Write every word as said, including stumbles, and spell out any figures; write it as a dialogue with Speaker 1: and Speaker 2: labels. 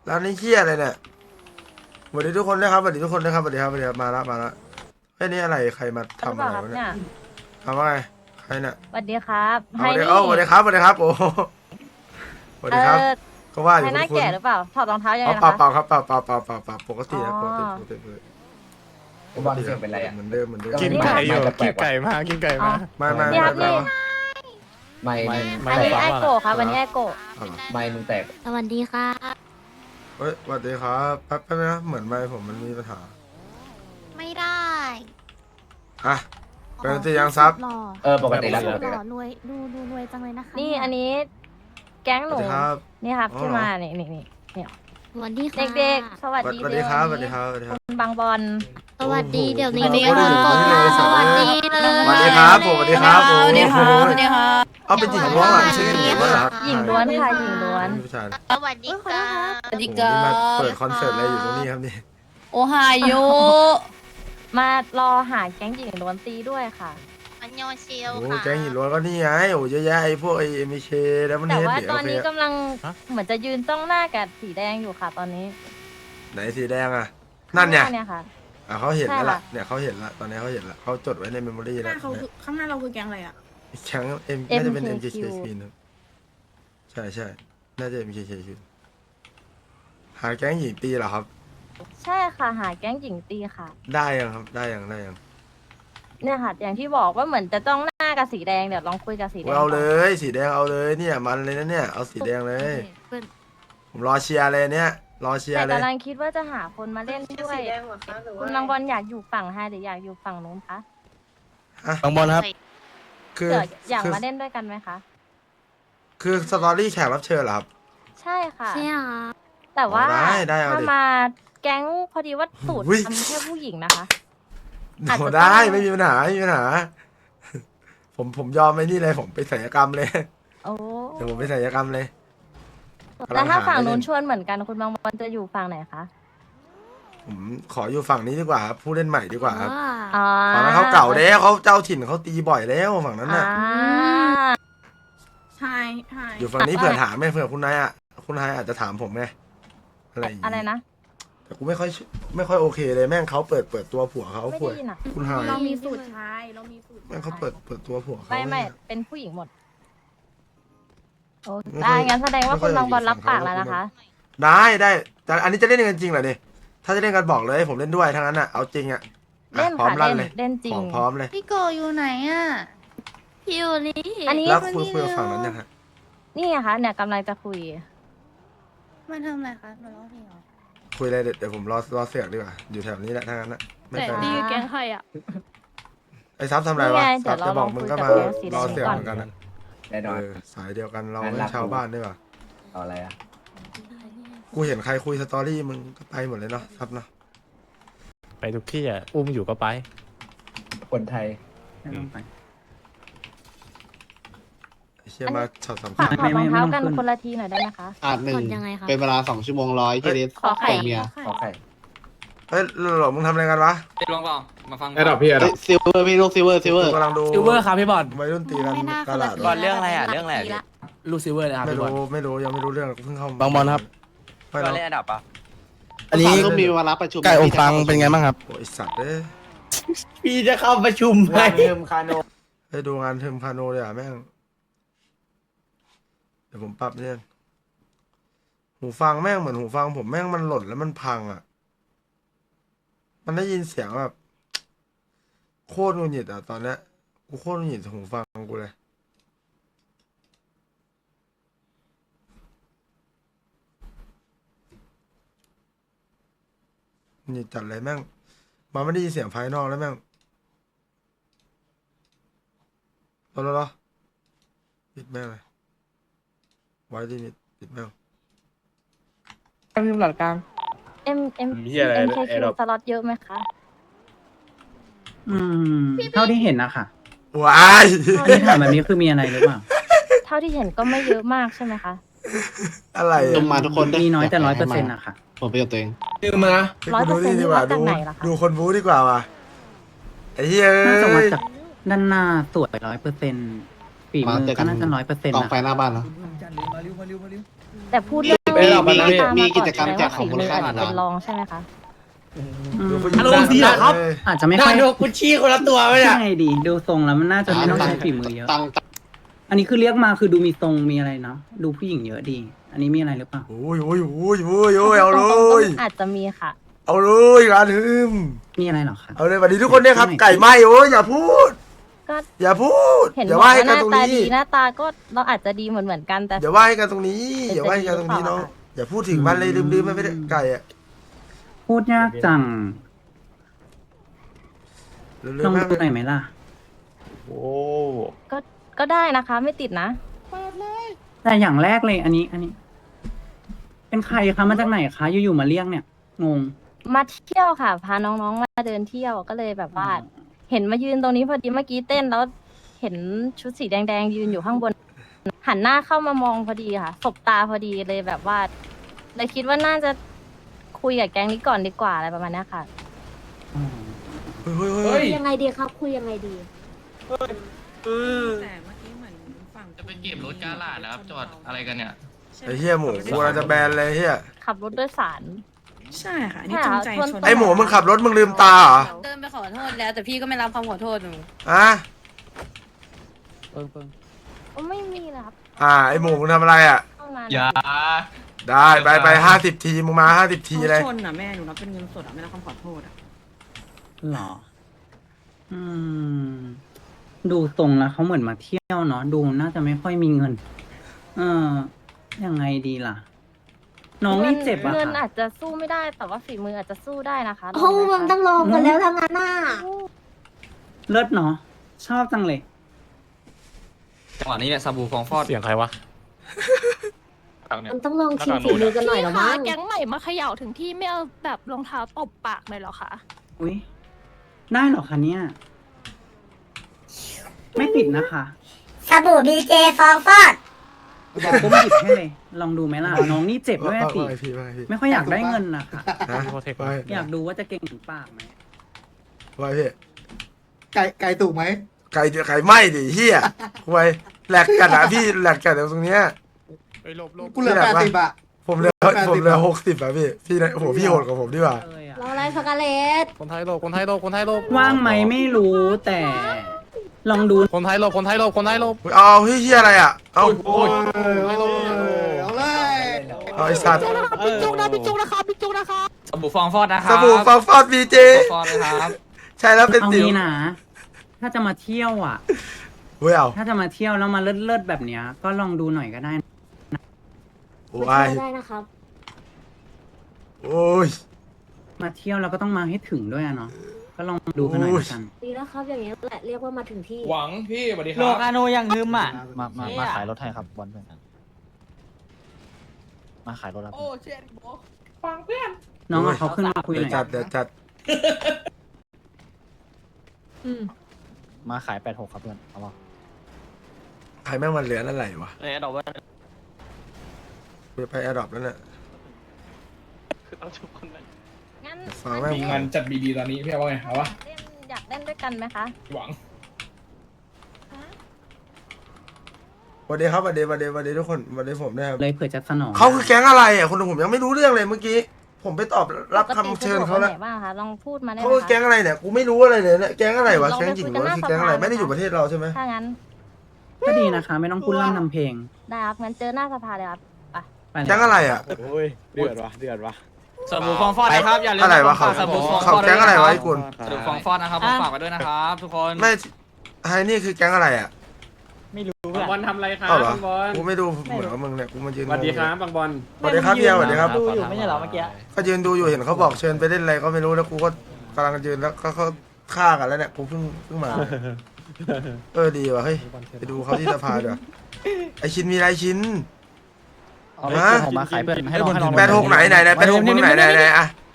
Speaker 1: ร้านนี้เฮี้ยอะไรเนี่ยสวัสดีทุกคนด้วยครับสวัสดีทุกคนด้วยครับสวัสดีครับสวัสดีครับมาละมาละเฮ้ยนี่อะไรใครมาทำอะไรวะเนี่ยทำว่าไงใครเนี่ย
Speaker 2: สวัสดีครับ
Speaker 1: สวัสดีเอ้าสวัสดีครับสวัสดีครับโอ้สวัสดีครับก็ว่าอยู่
Speaker 2: ใครหน้าแก่หรือเปล่าถอดรองเท้ายังไง
Speaker 1: เป
Speaker 2: นะ
Speaker 1: ล่า
Speaker 2: คะ
Speaker 1: เปล่าครับเปล่าเปล่าเปล่าเปล่าเปล่าปกตินะปกติปกติเลย
Speaker 3: บอลเสียงเป็นไรอ่ะ
Speaker 1: เหมือนเดิมเหมือนเดิม
Speaker 4: กินไก่อยู่กินไก่มากินไก่มา
Speaker 1: ไม่ไม่
Speaker 2: นี่
Speaker 1: ไม่
Speaker 2: ครับ
Speaker 1: ไม่
Speaker 2: นี่
Speaker 3: ไม่
Speaker 4: ไม่
Speaker 2: อันนี้
Speaker 4: ฟั
Speaker 2: ไอง
Speaker 4: ว่า
Speaker 2: โกะครับอันนี้ไอโกะ
Speaker 3: ไม่มึงแตก
Speaker 5: สวัสดีค่ะ
Speaker 1: เฮ้ยสวัสดีครับแป๊บแป๊บนะเหมือนไม่ผมมันมีปัญหา
Speaker 5: ไม่ได้
Speaker 1: อ่ะเป็นตียังซับ
Speaker 5: หล่อ
Speaker 3: เออปกติแล้ว
Speaker 5: ห
Speaker 3: ปกติ
Speaker 5: ล่
Speaker 3: แล้
Speaker 5: อ
Speaker 3: ว
Speaker 5: รวยดูดูรวยจังเลยนะคะ
Speaker 2: นี่อันนี้แก๊ง
Speaker 1: ส
Speaker 2: ห
Speaker 1: วั
Speaker 2: นู
Speaker 1: สดีครับ
Speaker 2: นี่ครับ
Speaker 1: อ๋อ
Speaker 2: ที่มานี่นี่นี่นี่
Speaker 5: สวัสดีค่ะ
Speaker 2: เด็กๆ สวัส
Speaker 1: สวัส
Speaker 2: ดี
Speaker 1: สวัสดีครับสวัสดีครับสวัสดีครับ
Speaker 2: คุณบางบอล
Speaker 5: สวัสดีเดี๋ยวนี้
Speaker 1: โอ้โห
Speaker 5: มีคนกด
Speaker 1: โอ้โห
Speaker 5: สวัสดีเลย
Speaker 1: สวัสดีครับผมสวัสดีครับโอ้โห
Speaker 6: สวัสดีครับสวัสดีครับ
Speaker 1: เอาเป็นหญิงล้วนเหรอไม่ใช่หญิงล้วนเหรอ
Speaker 2: หญิงล้วนค่ะหญิงล้วน
Speaker 1: ผู้ชาย
Speaker 5: สวัสดีค่ะ
Speaker 6: สวัสดี
Speaker 1: โอ้โห
Speaker 6: ครั
Speaker 1: นี่มา
Speaker 6: บ
Speaker 1: เปิดคอนเสิร์ตอะไรอยู่ตรงนี้ครับนี่
Speaker 6: โอไฮโอ
Speaker 2: มารอหาแก๊งหญิงล้วนตีด้วยค่ะ
Speaker 5: อันยองเชียว
Speaker 1: โอ้โห
Speaker 5: ค่ะ
Speaker 1: แก๊งหญิงล้วนก็นี่ไงโอ้โหเยอะแยะไอ้พวกไอ้เอ็มเคแล้วมัน
Speaker 2: แต่
Speaker 1: เฮด
Speaker 2: ว่า
Speaker 1: เดี๋ยว
Speaker 2: ตอนนี้
Speaker 1: โอเค
Speaker 2: กำลังเหมือนจะยืนต้องหน้ากับสีแดงอยู่ค่ะ ตอนนี้
Speaker 1: ไหนสีแดงอ่ะนั่นเนี่ย
Speaker 2: ข้างหาเนี่ยค่ะ
Speaker 1: อ่ะเขาเห็นแล้วล่ะ
Speaker 2: ใช่ค่ะ
Speaker 1: เนี่ยเขาเห็นละตอนนี้เขาเห็นละเขาจดไว้ในเมมโมรี่
Speaker 7: ห
Speaker 1: แล้ว
Speaker 7: น้าเขาคือข้างหน้าเราคือแก๊งอะไรอ่ะ
Speaker 1: แก๊งเอ็มน่าจะเป็น
Speaker 2: เอ็
Speaker 1: เอ็
Speaker 2: ม
Speaker 1: ม
Speaker 2: เค
Speaker 1: เค
Speaker 2: คิว
Speaker 1: ซีนะใช่ใช่น่าจะเอ็มเคซีหาแก๊งหญิงตีเหรอครับ
Speaker 2: ใช่ค่ะหาแก๊งหญิงตีค่ะ
Speaker 1: ได้ยังครับได้ยังได้ยัง
Speaker 2: เนี่ยค่ะ อย่างที่บอกว่าเหมือนจะต้องหน้ากับสีแดงเดี๋ยวลองคุยกับสีแดง
Speaker 1: เอาเล
Speaker 2: ก่อน
Speaker 1: ยสีแดงเอาเลยเนี่ยมันเลยนะเนี่ยเอาสีแดงเลย
Speaker 5: เพื่อน
Speaker 1: ผมรอเชียร์เลยเนี่ยรอเชีย
Speaker 2: แต่
Speaker 1: ร์เลย
Speaker 2: กำลังคิดว่าจะหาคนมาเล่นด้วย คุณบางบอลอยากอยู่ฝั่งไฮหรืออยากอยู่ฝั่งนู้นคะ
Speaker 4: บางบอลครับ
Speaker 1: คือ
Speaker 2: เกิดอยาก
Speaker 1: คือ
Speaker 2: มาเล่นด้วยกันไหมคะ
Speaker 1: คือสตอรี่แขกรับเชิญเหรอครับ
Speaker 2: ใช่ค่ะ
Speaker 5: ใช่ค่ะ
Speaker 2: แต่ว่า
Speaker 1: อ๋อได้ได้เอาดิ
Speaker 2: ถ้ามาแก๊งพอดีว่าสูตร
Speaker 1: อุ๊ย
Speaker 2: ทำแค่ผู้หญิงนะคะ อาจจะ
Speaker 1: โห
Speaker 2: ต้อง
Speaker 1: ได้ไม่มีปัญหาไม่มีปัญหา ผมผมยอมไอ้นี่เลยผมไปศัลยกรรมเลย
Speaker 2: โอ้
Speaker 1: เดี๋ยวผมไปศัลยกรรมเลย
Speaker 2: แล้วถ้าฝั่งนู้น
Speaker 1: กำลังหา
Speaker 2: ชวนเหมือนกันคุณบางบอลจะอยู่ฝั่งไหนคะ
Speaker 1: ผมขออยู่ฝั่งนี้ดีกว่าครับผู้เล่นใหม่ดีกว่าครับ
Speaker 2: อ่า
Speaker 1: ฝั่งนั้นเขาเก่าแล้วเขาเจ้าถิ่นเขาตีบ่อยแล้วฝั่งนั้น
Speaker 2: อ่า
Speaker 1: น่ะ
Speaker 7: ใช่ใช่
Speaker 1: อยู่ฝั่งนี้เผื่อถามไหมเผื่อคุณนายอ่ะคุณนายอาจจะถามผมไงอะไรอย่างงี้
Speaker 2: อะไรนะ
Speaker 1: แต่กูไม่ค่อยไม่ค่อยโอเคเลยแม่งเขาเปิดเปิดตัวผัวเขา
Speaker 2: ไม่
Speaker 1: ผัว
Speaker 2: ได้ยินอ่ะ
Speaker 1: คุณนาย
Speaker 7: เรามีสูตรชายเรามีสูตร
Speaker 1: แม่งเขาเปิดเปิดตัวผัวเขา
Speaker 2: ไม่ไม่เป็นผู้หญิงหมดโอ้
Speaker 1: ไม่ค่
Speaker 2: ได้
Speaker 1: อย
Speaker 2: งั้นแสดงว่า
Speaker 1: ไม่ค่
Speaker 2: คุ
Speaker 1: อย
Speaker 2: ณบางบอล
Speaker 1: อยากอยู่
Speaker 2: รับปาก
Speaker 1: ฝั่
Speaker 2: แล้ว
Speaker 1: งเขา
Speaker 2: นะคะ
Speaker 1: ได้ได้แต่อันนี้จะเล่นกันจริงเหรอเนี่ยถ้าจะเล่นกันบอกเลยผมเล่นด้วยทั้งนั้นอ่ะเอาจริงอ่ะอ่ะ
Speaker 2: เล่น
Speaker 1: พร้อม
Speaker 2: ค่ะ
Speaker 1: ลั่น
Speaker 2: เล่น
Speaker 1: เลย
Speaker 2: เล่นจริ
Speaker 1: ข
Speaker 2: ง
Speaker 1: องพร้อมเลย
Speaker 6: พี่โกอยู่ไหนอ่ะ
Speaker 5: พี่อยู่นี่
Speaker 2: อันนี้
Speaker 1: แล้วคุยคุยกับฝั่งนั้นยังฮะ
Speaker 2: นี่ไงคะเนี่ยกำลังจะคุย
Speaker 6: มาทำอะไรคะมาร้องเพลงเหรอ
Speaker 1: คุยอะไรเดี๋ยวเดี๋ยวผมรอรอเสือกดีกว่าอยู่แถวนี้แหละทั้งนั้นนะไม่
Speaker 2: แต่
Speaker 1: ไกล
Speaker 2: ดีแก๊งใคร
Speaker 5: อ่ะ
Speaker 1: ไอ้ซับทำอะไรวะ
Speaker 2: นี่ไง
Speaker 1: ซับ
Speaker 2: เดี๋ยว
Speaker 1: จะบอก
Speaker 2: เรา
Speaker 1: มึงก็
Speaker 2: คุ
Speaker 1: มาย
Speaker 2: กับแก๊งสีแดง
Speaker 1: รอเสือก
Speaker 2: ก่อน
Speaker 1: เหมือนกันอะ
Speaker 3: แน่นอน
Speaker 1: เออสายเดียวกันเรา
Speaker 3: งั้น
Speaker 1: เป็น
Speaker 3: รับ
Speaker 1: ชาวบ้านดีกว่า
Speaker 3: เอาอะไรอ่ะ
Speaker 1: กูเห็นใครคุยสตอรี่มึงก็ไปหมดเลยเนาะซับเนาะ
Speaker 4: ไปทุกที่อ่ะอุ้มอยู่ก็ไป
Speaker 3: คนไทย
Speaker 1: ไอ้เชี่ยมาช็อตสำ
Speaker 2: ฝา
Speaker 1: คั
Speaker 2: ก
Speaker 1: ญ
Speaker 2: ถอดรองเท้ากันคนละทีหน่อยได้ไหมคะ
Speaker 8: อาจหนึ่ง
Speaker 5: กดยังไงคะ
Speaker 8: เป็นเวลาสองชั่วโมงร้อยที่ลิส
Speaker 2: ขอไข่
Speaker 8: เมีย
Speaker 3: ขอไข่
Speaker 1: เฮ้ยหลบมึงทำอะไรกันวะ
Speaker 9: ลองเปล่ามาฟัง
Speaker 8: ไอ้ดอกพี่ไอ้ดอกซิลเวอร์พี่ลูกซิลเวอร์ซิลเวอร์
Speaker 1: กูกำลังดู
Speaker 4: ซิลเวอร์ครับพี่บอล
Speaker 1: วัยรุ่นตีกัน
Speaker 5: ไม่น่า
Speaker 1: ตลาด
Speaker 5: คนละที
Speaker 1: วะ
Speaker 5: เรื่องอะไรอ่ะเรื่องอะไรอ่ะ
Speaker 4: ลูกซิลเวอร์นะครับ
Speaker 1: ไม่
Speaker 4: พี่บอล
Speaker 1: รู้ไม่รู้ยังไม่รู้เรื่องเพิ่งเข้า
Speaker 4: บางบอลครับ
Speaker 1: ไม่รู้
Speaker 9: เล่นอันดับปะ
Speaker 8: อันนี้ก็มีเวลาประชุม
Speaker 4: ไก่อบฟังเป็นไงบ้างครับ
Speaker 1: โอ้ยสัตว์เอ้ย
Speaker 8: พี่จะเข้าประชุมไหม
Speaker 3: งานเทิมคาโน
Speaker 1: ไปดูงานเทอมคาโนเลยอ่ะแม่งเดี๋ยวผมปรับเนี่ยหูฟังแม่งเหมือนหูฟังผมแม่งมันหล่นแล้วมันพังอ่ะ มันได้ยินเสียงแบบโคตรหงุดหงิดอ่ะตอนเนี้ยกูโคตรหงุดหงิดหูฟังกูเลยหงุดหงิดจัดเลยแม่งมันไม่ได้ยินเสียงภายนอกแล้วแม่งรอรอรอปิดแม่งเลยไว้ลิมิตปิดแม่ง
Speaker 4: ทีมหลักกลาง
Speaker 2: เอ็มเอ็ม
Speaker 4: เหี้ยอะไร
Speaker 2: เอ็มเค
Speaker 4: ไอ้
Speaker 2: คิว
Speaker 4: ดอก
Speaker 2: สล็อตเยอะไหมคะ
Speaker 10: อืมเท่าที่เห็นนะคะ
Speaker 1: ว้าย
Speaker 10: ที่ถามแบบนี้คือมีอะไรหรือเปล่า
Speaker 2: เท่าที่เห็นก็ไม่เยอะมากใช่ไหมคะ
Speaker 1: อะไร
Speaker 8: ล
Speaker 1: อ่ะ
Speaker 8: งมาทุกคน
Speaker 10: มีน้อยแต่ร้อยเปอร์เซ็นต์อะค่ะ
Speaker 8: ผมประโยชน์ตัวเอง
Speaker 2: ร้อยเปอร์เซ็นต์
Speaker 1: ดี
Speaker 2: ที่
Speaker 1: ก
Speaker 2: วั
Speaker 1: ว่า
Speaker 2: ดจา
Speaker 1: ดู
Speaker 2: กไหนล่ะคะ
Speaker 1: ดูคนบู๊ดีกว่าว่ะไอ้เหี้ย
Speaker 10: น่าจะมา
Speaker 1: เอ้ย
Speaker 10: จากด้านหน้าสวยร้อยเปอร์เซ็นต์ฝีมือก็น่าจะร้อยเปอร์เซ็นต์
Speaker 8: กอง
Speaker 10: นะ
Speaker 8: ไฟหน้าบ้านเหรอ
Speaker 2: แต่พูดเรื่อง
Speaker 8: มี
Speaker 2: มี
Speaker 8: มี
Speaker 2: ตาม
Speaker 8: มี
Speaker 2: มา
Speaker 8: กิ
Speaker 2: ก่อน
Speaker 8: จกรรมแจกของมูลค่าห
Speaker 2: ฝี
Speaker 8: นึ่ง
Speaker 2: มืออาจจะ
Speaker 8: ล้า
Speaker 2: เป็น
Speaker 8: น
Speaker 2: รองใช่ไหมคะ
Speaker 1: ดูผู้หญิ
Speaker 4: อาง รมณ์ดีเหรอครับ
Speaker 1: เลย
Speaker 10: อาจจะไม่
Speaker 8: ได้
Speaker 10: ค่อย
Speaker 8: ดูกุชชี่คนละตัวไหมเนี่ย
Speaker 10: ใช่ดีดูทรงแล้วมันน่าจะไม่ต้องใช้ฝีมือเยอะ
Speaker 8: ตังค์
Speaker 10: อันนี้คือเรียกมาคือดูมีทรงมีอะไรเนาะดูผู้หญิงเยอะดี อันนี้มีอะไรหรือเปล่า
Speaker 1: โอ้ยโอ้ยโอ้ยโอ้ยโอ้ยเอาเล
Speaker 2: ตรงๆ
Speaker 1: ย
Speaker 2: ก็อาจจะมีค่ะ
Speaker 1: เอาเลยร้านฮึม
Speaker 10: มีอะไรเหรอคะ
Speaker 1: เอาเลยสวัสดีทุกคนเนี่ยครับ ไก่ไหมโอ้ยอย่าพูด
Speaker 2: ก็
Speaker 1: อย่าพูด
Speaker 2: เห็น
Speaker 1: อย่า
Speaker 2: บอก
Speaker 1: ว่า
Speaker 2: ว่า
Speaker 1: ให้
Speaker 2: ห
Speaker 1: กัน
Speaker 2: น้า
Speaker 1: ตรง
Speaker 2: ตา
Speaker 1: นี้
Speaker 2: ดีหน้าตาก็เราอาจจะดีเหมือนเหมือนๆกันแต่
Speaker 1: อย่าว่าให้กันตรงนี้
Speaker 2: เป็น
Speaker 1: อย่าว่าให้กันตรงนี้
Speaker 2: จะดีหรือเปล่า
Speaker 1: น้องอย่าพูดถึงมันเลยลืมๆมันไม่ได้ไก่อะ
Speaker 10: พูดยากจัง
Speaker 1: ลืม
Speaker 10: ลอง
Speaker 1: ๆมาก
Speaker 10: ดูหน่อยไหมล่ะ
Speaker 8: โอ้
Speaker 2: ก็ก็ได้นะคะ ไม่ติดนะ
Speaker 10: แต่อย่างแรกเลยอันนี้ อันนี้ เป็นใครคะมาจากไหนคะอยู่ๆมาเรียกเนี่ยงง
Speaker 2: มาเที่ยวค่ะ พาน้องๆมาเดินเที่ยวก็เลยแบบว่า เห็นมายืนตรงนี้พอดีเมื่อกี้เต้นแล้ว เห็นชุดสีแดงๆยืนอยู่ข้างบน หันหน้าเข้ามามองพอดีค่ะสบตาพอดีเลยแบบว่าเลยคิดว่าน่าจะคุยกับแก๊งนี้ก่อนดีกว่าอะไรประมาณเนี้ยค่ะ
Speaker 1: เฮ้ยเฮ้ยเฮ้ย
Speaker 6: ยังไงดีครับคุยยังไงดี
Speaker 7: แต่เมื่อกี้เหมือนฝั่ง
Speaker 9: จะไปเก็บรถกาลาดนะครับ จอดอะไรกันเนี่ย
Speaker 1: ไอ้เหี้ยหมูกูเราจะแบนเลยเหี้ย
Speaker 2: ขับรถโดยสาร
Speaker 7: ใช่ค่ะอันนี่จงใจชน
Speaker 1: ไอ้หมูมึงขับรถมึงลืมตาเหรอ
Speaker 6: เดินไปขอโทษแล้วแต่พี่ก็ไม่รับคำขอโทษหนู
Speaker 1: อ่ะ
Speaker 4: เปิงเปิง
Speaker 2: ก็ไม่มีเลยครับ
Speaker 1: อ่าไอ้หมูมึงทำอะไรอ่ะ
Speaker 2: เข้ามา
Speaker 9: อย่า
Speaker 1: ได้ไปไปห้าสิบทีมึงมาห้าสิบทีเลย
Speaker 7: ชนอ่ะแม่หนูรับเป็นเงินสดอ่ะไม่รับคำขอโทษอ่ะ
Speaker 10: หรอ อืม ดูทรงแล้วเขาเหมือนมาเที่ยวเนาะ ดูน่าจะไม่ค่อยมีเงิน เออ ยังไงดีล่ะ น้องนี่เจ็บอะ
Speaker 2: เงิน
Speaker 10: ค่ะ
Speaker 2: อาจจะสู้ไม่ได้แต่ว่าฝีมืออาจจะสู้ได้นะคะ
Speaker 6: โอ้มันต้องลองกันแล้วทั้งนั้นน่ะ
Speaker 10: เลิศเนาะ ชอบจังเลย
Speaker 9: จังหวะนี้เนี่ยซาบูฟองฟอด
Speaker 4: เสียงใครวะ
Speaker 6: มันต้องลองชิมฝีมือกันหน่อยหรอมั้ง
Speaker 5: แก๊งใหม่มาเขย่าถึงที่ไม่เอาแบบรองเท้าตบปากเลยเหรอคะ
Speaker 10: อุ้ยได้เหรอคะเนี่ย ไม่ติดนะคะ
Speaker 6: สบู่ดีเจฟองฟอด
Speaker 10: เดี๋ยวผมหยิบให้เลย ลองดูไหมล่ะ น้องนี่เจ็บด้วยอะสิ
Speaker 1: ว่าไงพี่ว่าไงพี่
Speaker 10: ไม่ค่อยอยากได้เงินนะคะ
Speaker 1: ฮะว่าไง
Speaker 10: อยากดูว่าจะเก่งถึงปากไหม
Speaker 1: ว่าไงพี่
Speaker 8: ไก่ไก่ถูกไหม
Speaker 1: ไก่ไก่ไหมดิเฮียไว้แหลกกันอะพี่แหลกกันตรงเนี้ย
Speaker 8: กูเหลือแปดสิบอะ
Speaker 1: ผมเหลือผมเหลือหกสิบอะพี่พี่นะโอ้โหพี่โหดกว่าผมดีกว่า
Speaker 10: เลยอะ
Speaker 6: รออะไรช็อกโกแลต
Speaker 4: คนไทยโลบคนไทยโลบคนไทยโลบ
Speaker 10: ว่างไหมไม่รู้แต่ ลองดู
Speaker 4: คนไทยโลบคนไทยโลบคนไทยโลบ
Speaker 1: เอาเฮ้ยเฮียอะไรอะเอา
Speaker 8: โอ้ยเอาเลย
Speaker 1: เอาไอ้สัตว์
Speaker 8: พี่จุกนะพี่จุกนะ
Speaker 9: ซาบูฟองฟอดนะครั
Speaker 1: สบู่ฟองฟอดบีเจ
Speaker 9: ฟองฟอดเลยครับ
Speaker 1: ใช่แล้วเป็น
Speaker 10: เอา
Speaker 1: สิว
Speaker 10: งี้นะ ถ้าจะมาเที่ยวอ่ะ
Speaker 1: เว้ยเอา
Speaker 10: ถ้าจะมาเที่ยวแล้วมาเลิศเลิศๆแบบเนี้ย ก็ลองดูหน่อยก็ได้
Speaker 1: โอ้
Speaker 6: ไม่
Speaker 1: ย
Speaker 6: ได้นะครับ
Speaker 1: โอ้ย
Speaker 10: มาเที่ยวเราก็ต้องมาให้ถึงด้วยอะเนาะ ก็ลองดูกันหน่อยละกัน
Speaker 6: ดีแล้วครับอย่างเงี้ยแหละเรียกว่ามาถึงที่
Speaker 9: หวังพี่สวัสดีค
Speaker 4: โล
Speaker 9: รับ
Speaker 4: กอาโนยังงึมอ่ะ
Speaker 3: มามามาขายรถให้ครับบอลเพื่อนกันมาขายรถแล้ว
Speaker 10: น้องเอาเขาขึ้นมาคุยห
Speaker 1: เดี๋ยว
Speaker 10: น่อย
Speaker 1: จัดเดี๋ยวจัด
Speaker 3: มาขายแปดหกครับเพื่อนเอาวะ
Speaker 1: ใครแม่งมันเหลือนั่นไหลวะ
Speaker 9: เอ้ยดอกว่า
Speaker 1: กูจะไปแอร์ดรอปแล้วเนี่ย
Speaker 9: ต้องชุบคนนั้น
Speaker 2: งั้น
Speaker 1: ฟังแม่ง
Speaker 9: มีงานจัดบีดีตอนนี้พี่ว่าไงเอาวะ
Speaker 2: เล่นอยากเล่นด้วยกันไหมคะ
Speaker 9: หวัง
Speaker 1: สวัสดีครับสวัสดีสวัสดีสวัสดีทุกคนสวัสดีผมด้วยครับ
Speaker 10: เลยเผื่อจะสนอง
Speaker 1: เขาคือแก๊งอะไรอ่ะคนผมยังไม่รู้เรื่องเลยเมื่อกี้ ผมไปตอบรับคำเชิญเขาแล้ว
Speaker 2: ปกติสะดวกไปไหนบ้างคะลองพูดมาได้ไห
Speaker 1: เขา
Speaker 2: ม
Speaker 1: คือแก๊ง
Speaker 2: คะ
Speaker 1: อะไรเนี่ยกูไม่รู้อะไรเลยเนี่ยแก๊งอะไรวะ
Speaker 2: ลอง
Speaker 1: แก๊ง
Speaker 2: ไป
Speaker 1: หญิง
Speaker 2: คุ
Speaker 1: ห
Speaker 2: ย
Speaker 1: รือ
Speaker 2: กัน
Speaker 1: ว่า
Speaker 2: หน้า
Speaker 1: คือแก๊งอะไร
Speaker 2: สภา
Speaker 1: ไม่ได้อยู่ประเทศเราใช่ไหม
Speaker 2: ถ้างั้น
Speaker 10: ก็ดีนะคะ ไม่ต้องพูดร่ำทำเพลง
Speaker 2: ได้ครับงั้นเจอหน้าสภาเลยครับ
Speaker 10: ไปเลย
Speaker 1: แก๊งอะไรอ่ะ
Speaker 8: โอ้ยเดือดวะเดือดวะ
Speaker 9: ซาบูฟองฟอดนะครับอย่าลืม
Speaker 1: อะไรวะเขา
Speaker 9: ซาบูฟองฟ
Speaker 1: เขา
Speaker 9: อด
Speaker 1: แก๊งอะไรวะไอ้กุล
Speaker 9: ซาบูฟองฟอดนะครับผมฝากไว้ด้วยนะครับทุกคน
Speaker 1: ไม่ไอ้นี่คือแก๊งอะไรอ่ะ
Speaker 8: บอลทำอะไรครับ
Speaker 1: เอ้าเหรอ
Speaker 8: บอล
Speaker 1: กูไม่ดูเหมือนกับมึงเนี่ยกูมายืน
Speaker 8: สวัสดีครับบางบอล
Speaker 1: สวัสดีครับเดียวสวัสดีครับ
Speaker 4: ดูอยู่ไม่ใช่เหรอเมื่อกี้
Speaker 1: ก็ยืนดูอยู่เห็นเขาบอกเชิญไปเล่นอะไรก็ไม่รู้แล้วกูก็กำลังยืนแล้วก็เขาฆ่ากันแล้วเนี่ยกูเพิ่งเพิ่งมาเออดีว่ะเฮ้ยไปดูเขาที่สภาเดี๋ยวไอชินมีอะไรชิน
Speaker 3: เอาไปผมมาขายเพื่อนให้ลองให้ลอง
Speaker 1: แปดหกไหนไหนไหนแปดหกมึงไหนไหนไหนอะ